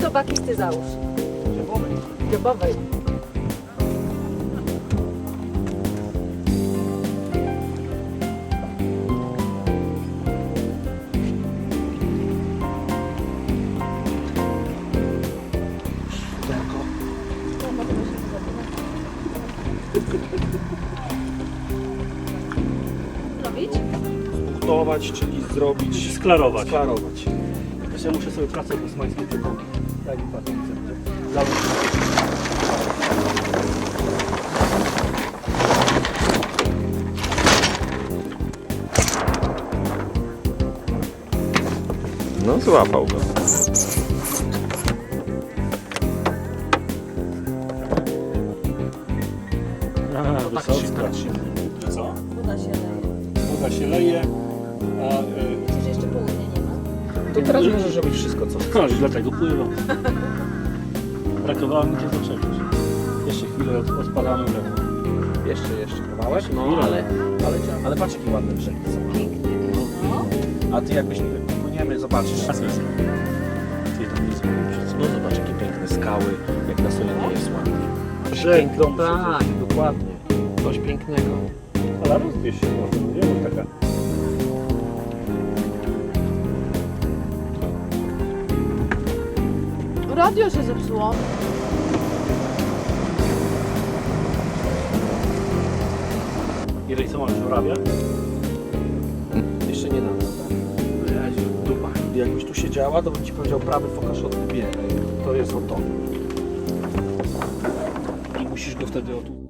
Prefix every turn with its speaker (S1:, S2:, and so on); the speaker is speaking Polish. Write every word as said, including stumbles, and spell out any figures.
S1: robaki ty załóż.
S2: Dziobowej.
S1: Dziobowej. Robić?
S2: Punktować, czyli zrobić...
S3: Sklarować.
S2: Sklarować.
S3: Jeszcze muszę sobie pracę bosmańskie tylko tak i patrzę. Załóż.
S4: No złapał go.
S3: A,
S2: Tak
S3: wysocka.
S2: się, tak się.
S3: Że co?
S1: Woda się leje.
S3: Woda się leje, a y,
S1: Przecież jeszcze południa nie ma.
S2: To teraz możesz robić wszystko, co chcesz.
S3: Chodź, dlatego pływa. Brakowało mi cię zaczepić. Jeszcze chwilę od, odpadamy w lewo.
S2: Jeszcze, jeszcze kawałek, no
S3: Chwilę.
S2: ale, ale, ale patrz jakie ładne brzegi są.
S1: Pięknie. No.
S2: A ty jakbyś płyniemy, zobaczysz.
S3: A co jest? Ty tam nie zrobisz.
S2: No zobacz jakie piękne skały, jak na Solinie jest ładnie.
S3: Brzeg domu.
S2: Tak, dokładnie. Coś pięknego.
S3: Ale rozbierz się może, nie wiem, taka.
S1: Radio się zepsuło.
S3: Jeżeli co masz żurawia?
S2: Jeszcze nie nadal. Dupa. Jakbyś tu siedziała, to bym ci powiedział prawy fokasz odbieraj. To jest o to. I musisz go wtedy o tu.